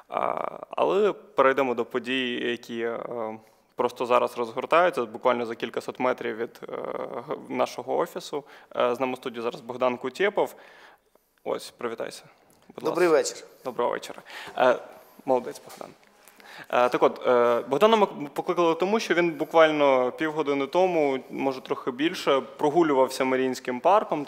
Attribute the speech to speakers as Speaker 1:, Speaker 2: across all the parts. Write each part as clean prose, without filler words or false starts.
Speaker 1: Але перейдемо до подій, які просто зараз розгортаються, буквально за кількасот метрів від нашого офісу. З нами в студії зараз Богдан Кутєпов. Ось, привітайся.
Speaker 2: Добрий вечір.
Speaker 1: Доброго вечора. Молодець, Богдан. Так от, Богдана ми покликали тому, що він буквально півгодини тому, може трохи більше, прогулювався Маріїнським парком,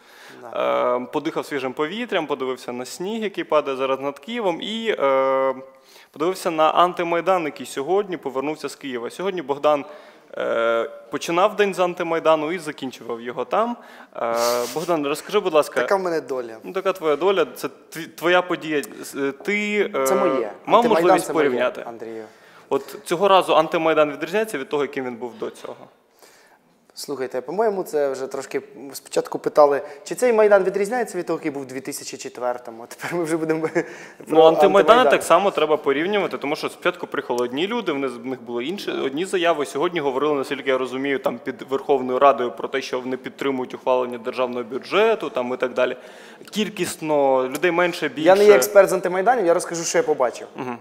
Speaker 1: подихав свіжим повітрям, подивився на сніг, який падає зараз над Києвом, і подивився на антимайдан, який сьогодні повернувся з Києва. Сьогодні Богдан починав день з антимайдану і закінчував його там. Богдан, розкажи, будь ласка.
Speaker 2: Така в мене доля.
Speaker 1: Ну, така твоя доля, це твоя подія. Ти
Speaker 2: це моє.
Speaker 1: Мав можливість порівняти?
Speaker 2: Андрію.
Speaker 1: От цього разу антимайдан відрізняється від того, яким він був до цього?
Speaker 2: Слухайте, по-моєму, це вже трошки спочатку питали, чи цей Майдан відрізняється від того, який був у 2004-му, а тепер ми вже будемо про
Speaker 1: Ну, антимайдан так само треба порівнювати, тому що спочатку приїхали одні люди, в них були одні заяви. Сьогодні говорили, наскільки я розумію, там під Верховною Радою про те, що вони підтримують ухвалення державного бюджету там, і так далі. Кількісно, людей менше, більше.
Speaker 2: Я не є експерт з антимайданів, я розкажу, що я побачив.
Speaker 1: Угу.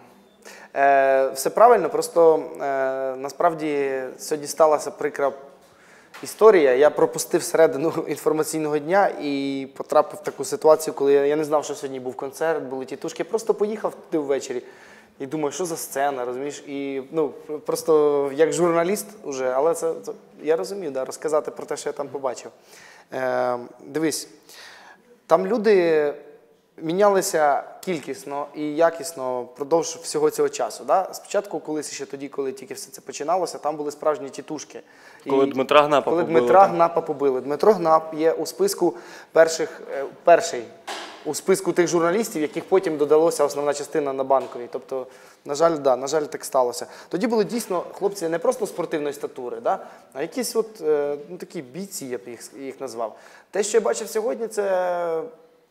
Speaker 2: Все правильно, просто насправді сьогодні сталася прикра історія. Я пропустив середину інформаційного дня і потрапив в таку ситуацію, коли я не знав, що сьогодні був концерт, були тітушки. Я просто поїхав туди ввечері і думаю, що за сцена, розумієш? І просто як журналіст уже, але я розумію, розказати про те, що я там побачив. Дивись, там люди мінялися кількісно і якісно впродовж всього цього часу. Да? Спочатку, колись ще тоді, коли тільки все це починалося, там були справжні тітушки.
Speaker 1: Коли Дмитра Гнапа побили.
Speaker 2: Коли Дмитра Гнапа побили. Дмитро Гнап є у списку перший у списку тих журналістів, яких потім додалося основна частина на Банковій. Тобто, на жаль, так сталося. Тоді були дійсно хлопці не просто спортивної статури, а якісь такі бійці, я б їх назвав. Те, що я бачив сьогодні, це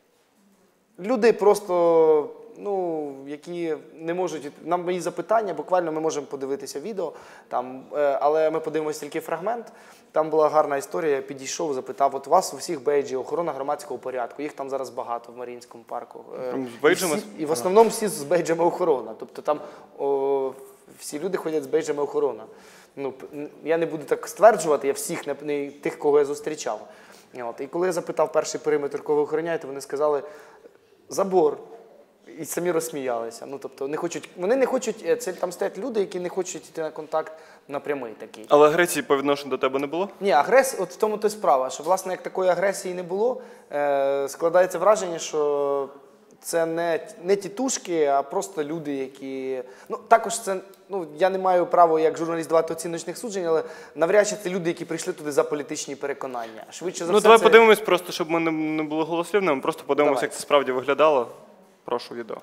Speaker 2: люди просто, які не можуть, нам мої запитання, буквально ми можемо подивитися відео, але ми подивимося тільки фрагмент. Там була гарна історія, я підійшов, запитав, от у вас у всіх бейджі, охорона громадського порядку, їх там зараз багато в Маріїнському парку.
Speaker 1: З бейджами?
Speaker 2: І в основному всі з бейджами охорона, тобто там всі люди ходять з бейджами охорона. Я не буду так стверджувати, я всіх, не тих, кого я зустрічав. І коли я запитав перший периметр, кого ви охороняєте, вони сказали, забор. І самі розсміялися. Тобто вони не хочуть, там стоять люди, які не хочуть йти на контакт напрямий такий.
Speaker 1: Але агресії по відношенню до тебе не було?
Speaker 2: Ні, агресії, от в тому то й справа, що, власне, як такої агресії не було, складається враження, що це не тітушки, а просто люди, які... також це, я не маю права як журналіст давати оціночних суджень, але навряд чи це люди, які прийшли туди за політичні переконання. Швидше за все,
Speaker 1: давай подивимось просто, щоб ми не були голослівними, просто подивимось, як це справді виглядало. Прошу відео.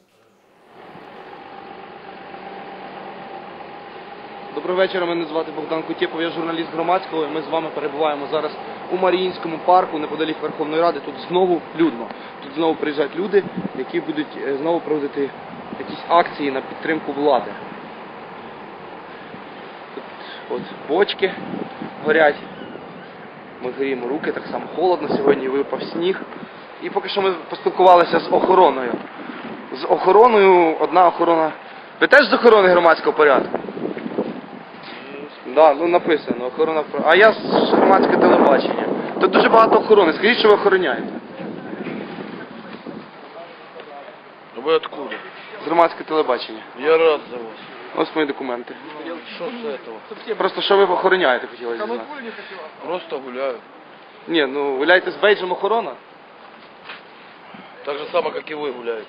Speaker 3: Доброго вечора, мене звати Богдан Кутєпов, я журналіст громадського, і ми з вами перебуваємо зараз у Маріїнському парку, неподалік Верховної Ради. Тут знову людно. Тут знову приїжджають люди, які будуть знову проводити якісь акції на підтримку влади. Тут бочки горять, ми гріємо руки, так само холодно сьогодні, випав сніг. І поки що ми поспілкувалися з охороною. З охороною, одна охорона... Ви теж з охорони громадського порядку? Так, написано, охорона... А я з громадського телебачення. Тут дуже багато охорони. Скажіть, що ви охороняєте?
Speaker 4: Ви откуда?
Speaker 3: З громадського телебачення.
Speaker 4: Я рад за вас.
Speaker 3: Ось мої документи.
Speaker 4: Що з этого?
Speaker 3: Просто що ви охороняєте, хотілося знати.
Speaker 4: Просто гуляю.
Speaker 3: Ні, гуляєте з бейджем охорона?
Speaker 4: Так же само, как и вы гуляете.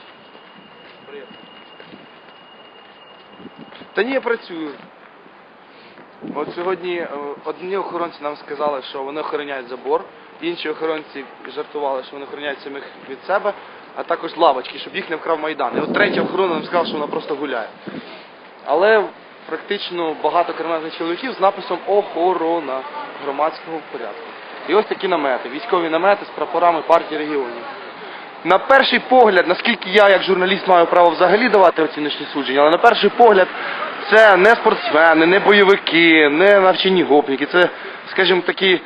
Speaker 3: Та ні, я працюю. От сьогодні одні охоронці нам сказали, що вони охороняють забор, інші охоронці жартували, що вони охороняють самих від себе, а також лавочки, щоб їх не вкрав Майдан. І от третя охорона нам сказала, що вона просто гуляє. Але практично багато кремезних чоловіків з написом «Охорона громадського порядку». І ось такі намети, військові намети з прапорами партії регіонів. На перший погляд, наскільки я як журналіст маю право взагалі давати оціночні судження, але на перший погляд це не спортсмени, не бойовики, не навчені гопніки, це, скажімо, такі,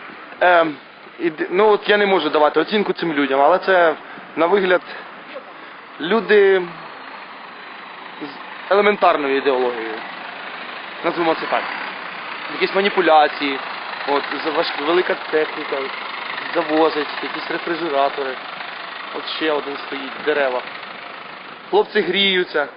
Speaker 3: я не можу давати оцінку цим людям, але це, на вигляд, люди елементарною ідеологією. Назвемо це так. Якісь маніпуляції, от, велика техніка, завозить, якісь рефрижератори. От ще один стоїть, дерева. Хлопці гріються.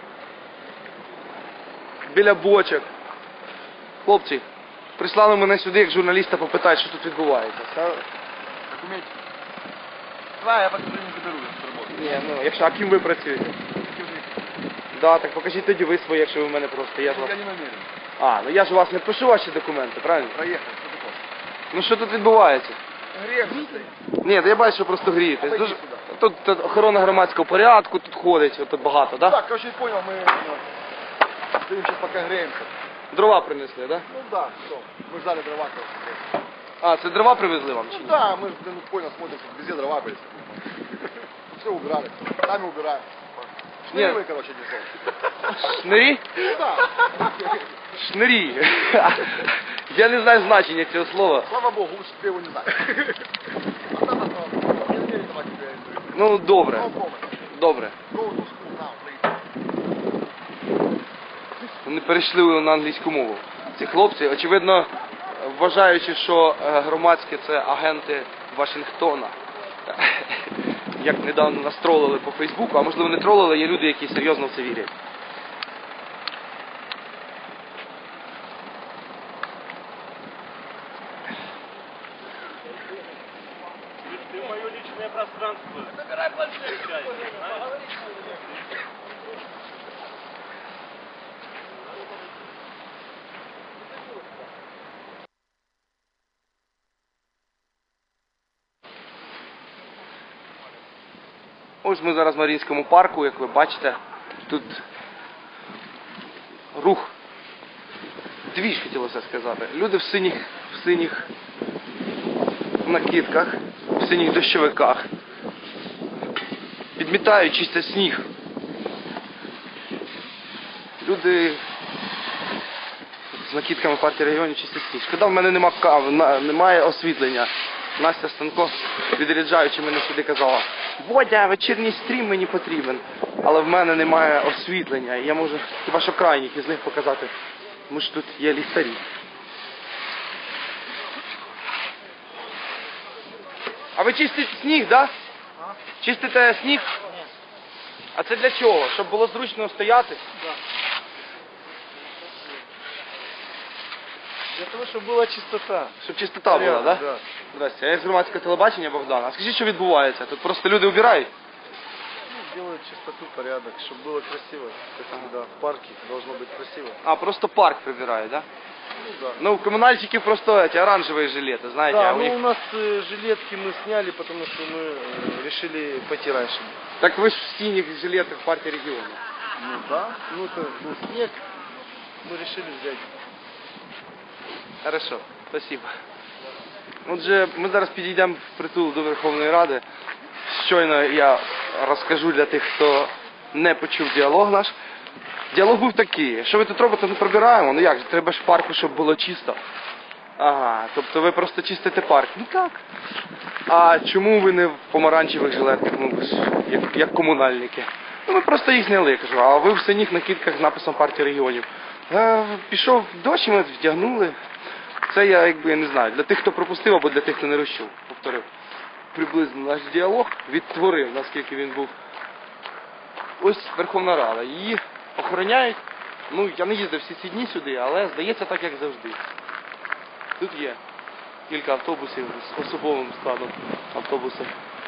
Speaker 3: Біля бочок. Хлопці, прислали мене сюди, як журналіста, попитають, що тут відбувається.
Speaker 5: Документики. Давай, я покажу, не заберу, я тут работаю.
Speaker 3: Ні, ну, якщо, а ким ви працюєте? Да, так покажіть тоді ви свої, якщо ви в мене просто. Я ж вас...
Speaker 5: Я не намерен.
Speaker 3: А, ну я ж у вас не пишу ваші документи, правильно?
Speaker 5: Проехать, что ты хочешь?
Speaker 3: Ну що тут відбувається?
Speaker 5: Грех стоит.
Speaker 3: Ні, я бачу, що просто грієтесь.
Speaker 5: Пойди
Speaker 3: Дуже...
Speaker 5: сюди.
Speaker 3: Тут охорона громадського порядку, тут ходить, тут багато, да?
Speaker 5: Так, короче, понял, мы стоим сейчас пока греемся.
Speaker 3: Дрова принесли, да?
Speaker 5: Ну да, все. Мы ждали дрова, короче.
Speaker 3: А, це дрова привезли вам чи
Speaker 5: Ну
Speaker 3: ні?
Speaker 5: да, мы, блин, понял, смотрим, что везде дрова были. Все убирали, сами убираем.
Speaker 3: Нет.
Speaker 5: Шныревые, короче, несем.
Speaker 3: Шнирі?
Speaker 5: Ну да.
Speaker 3: Шнирі. Я не знаю значення цього слова.
Speaker 5: Слава богу, лучше ты его не знаешь. А там осталось. Я не верю, давай тебе интервью.
Speaker 3: Ну, добре,
Speaker 5: No comment.
Speaker 3: добре.
Speaker 5: Go to school now, please.
Speaker 3: Вони перейшли на англійську мову. Ці хлопці, очевидно, вважаючи, що громадські це агенти Вашингтона. Як недавно нас тролили по Фейсбуку, а можливо не тролили, є люди, які серйозно в це вірять.
Speaker 6: Ты мое личное пространство. Забирай планшет.
Speaker 3: Ось ми зараз в Маріїнському парку, як ви бачите, тут рух, двіж хотілося сказати. Люди в синіх накидках, в синіх дощовиках, підмітають, чистять сніг. Люди з накидками партії регіонів чистять сніг. Шкода, в мене немає освітлення. Настя Станко, відряджаючи мене сюди, казала: Бодя, вечірній стрім мені потрібен. Але в мене немає освітлення. І я можу хіба що крайніх із них показати. Тому що тут є ліхтарі. А ви чистите сніг, так? Да? Чистите сніг? Ні. А це для чого? Щоб було зручно стояти?
Speaker 6: Да. Для того, чтобы была чистота.
Speaker 3: Щоб чистота була, так? Да?
Speaker 6: Да.
Speaker 3: Здрасте, я з громадського телебачення, Богдан. А скажіть, що відбувається? Тут просто люди убирають?
Speaker 6: Ну, делают чистоту, порядок, чтобы было красиво. Как всегда, в парке должно быть красиво.
Speaker 3: А, просто парк прибирають, так? Да?
Speaker 6: Ну да.
Speaker 3: Ну, у коммунальщиков просто эти оранжевые жилеты, знаете,
Speaker 6: Да,
Speaker 3: а у
Speaker 6: ну
Speaker 3: них...
Speaker 6: у нас жилетки мы сняли, потому что мы решили пойти раньше.
Speaker 3: Так вы же в синих жилетах партии региона.
Speaker 6: Ну да. Ну это был снег, мы решили взять.
Speaker 3: Хорошо, спасибо. Отже, ми зараз підійдемо впритул до Верховної Ради. Щойно я розкажу для тих, хто не почув діалог наш. Діалог був такий: що ви тут робите, не прибираємо? Ну як же, треба ж в парку, щоб було чисто. Ага, тобто ви просто чистите парк. Ну так. А чому ви не в помаранчевих жилетках, ну ви ж як комунальники? Ну ми просто їх зняли, кажу, а ви в синіх накидках з написом партії регіонів. Пішов дощ, ми вдягнули. Це я якби не знаю, для тих, хто пропустив, або для тих, хто не розчув. Повторив. Приблизно наш діалог відтворив, наскільки він був. Ось Верховна Рада. Її охороняють. Ну, я не їздив всі ці дні сюди, але здається так, як завжди. Тут є кілька автобусів з особовим складом автобусів.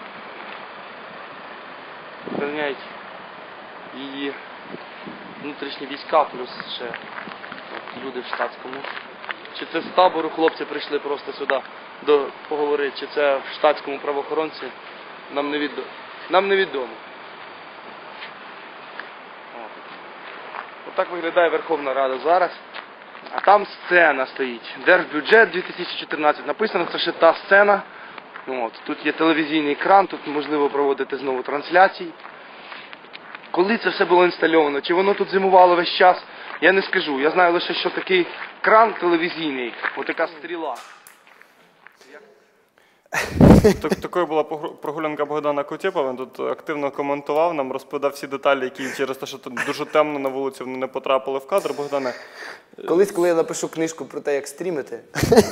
Speaker 3: Охороняють її внутрішні війська, плюс ще люди в штатському. Чи це з табору хлопці прийшли просто сюди поговорити, чи це в штатському правоохоронці, нам невідомо. Отак виглядає Верховна Рада зараз. А там сцена стоїть. Держбюджет 2014. Написано, це ще та сцена. От. Тут є телевізійний екран, тут можливо проводити знову трансляції. Коли це все було інстальовано, чи воно тут зимувало весь час, я не скажу. Я знаю лише, що такий кран телевізійний, отака стріла.
Speaker 1: Такою була прогулянка Богдана Кутєпова. Він тут активно коментував нам, розповідав всі деталі, які через те, що тут дуже темно на вулиці, вони не потрапили в кадр. Богдане,
Speaker 2: Колись, коли я напишу книжку про те, як стрімити,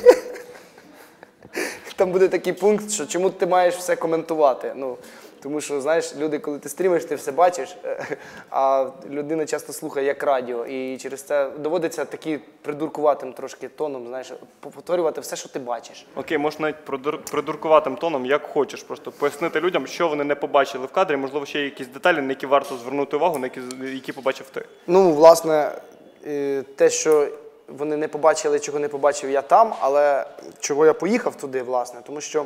Speaker 2: там буде такий пункт, що чому ти маєш все коментувати. Ну, тому що, знаєш, люди, коли ти стрімиш, ти все бачиш, а людина часто слухає як радіо. І через це доводиться такі придуркуватим трошки тоном, знаєш, повторювати все, що ти бачиш.
Speaker 1: окей, можеш навіть придуркуватим тоном, як хочеш, просто пояснити людям, що вони не побачили в кадрі, можливо, ще є якісь деталі, на які варто звернути увагу, на які побачив ти.
Speaker 2: Ну, власне, те, що вони не побачили, чого не побачив я там, але чого я поїхав туди, власне, тому що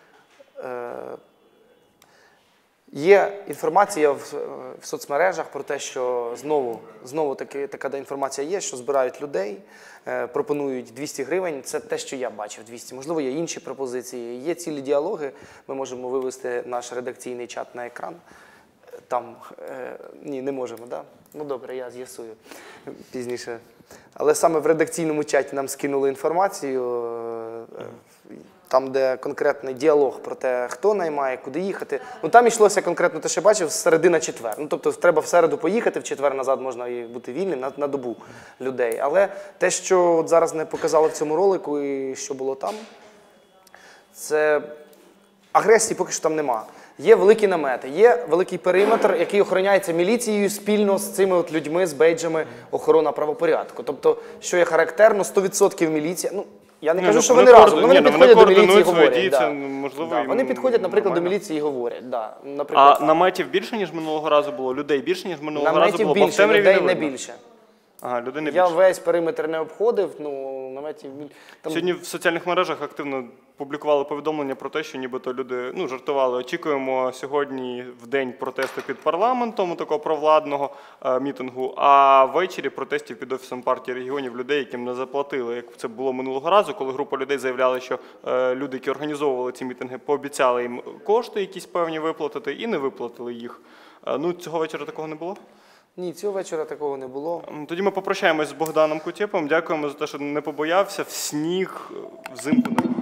Speaker 2: є інформація в соцмережах про те, що знову така інформація є, що збирають людей, пропонують 200 гривень. Це те, що я бачив, 200. Можливо, є інші пропозиції. Є цілі діалоги. Ми можемо вивести наш редакційний чат на екран. Там, ні, не можемо, так? Да? Ну добре, я з'ясую пізніше. Але саме в редакційному чаті нам скинули інформацію, там, де конкретний діалог про те, хто наймає, куди їхати. Ну там йшлося конкретно те, що я бачив, середина четвер. Ну тобто треба в середу поїхати, в четвер назад можна і бути вільним на добу людей. Але те, що от зараз не показали в цьому ролику і що було там, це агресії поки що там нема. Є великі намети, є великий периметр, який охороняється міліцією спільно з цими от людьми, з бейджами охорона правопорядку. Тобто, що є характерно, 100% міліція. Ну, я не кажу, що вони разом, вони підходять до міліції і говорять. Да.
Speaker 1: Можливо,
Speaker 2: Да, вони підходять, наприклад, до
Speaker 1: нормально.
Speaker 2: міліції і говорять. Да. Наприклад,
Speaker 1: А наметів більше, ніж минулого разу було? Людей більше, ніж минулого разу
Speaker 2: наметів
Speaker 1: було? Бо в
Speaker 2: більше,
Speaker 1: темряві
Speaker 2: людей не
Speaker 1: видно.
Speaker 2: більше.
Speaker 1: Ага, людей не
Speaker 2: Я
Speaker 1: більше.
Speaker 2: весь периметр не обходив, ну, наметів більше. Там...
Speaker 1: Сьогодні в соціальних мережах активно публікували повідомлення про те, що нібито люди жартували. Очікуємо сьогодні в день протесту під парламентом, такого провладного мітингу, а ввечері протестів під Офісом партії регіонів людей, яким не заплатили. Як це було минулого разу, коли група людей заявляли, що люди, які організовували ці мітинги, пообіцяли їм кошти якісь певні виплатити і не виплатили їх. Ну, цього вечора такого не було?
Speaker 2: Ні, цього вечора такого не було.
Speaker 1: Тоді ми попрощаємось з Богданом Кутєповим. Дякуємо за те, що не побоявся в сніг, взимку.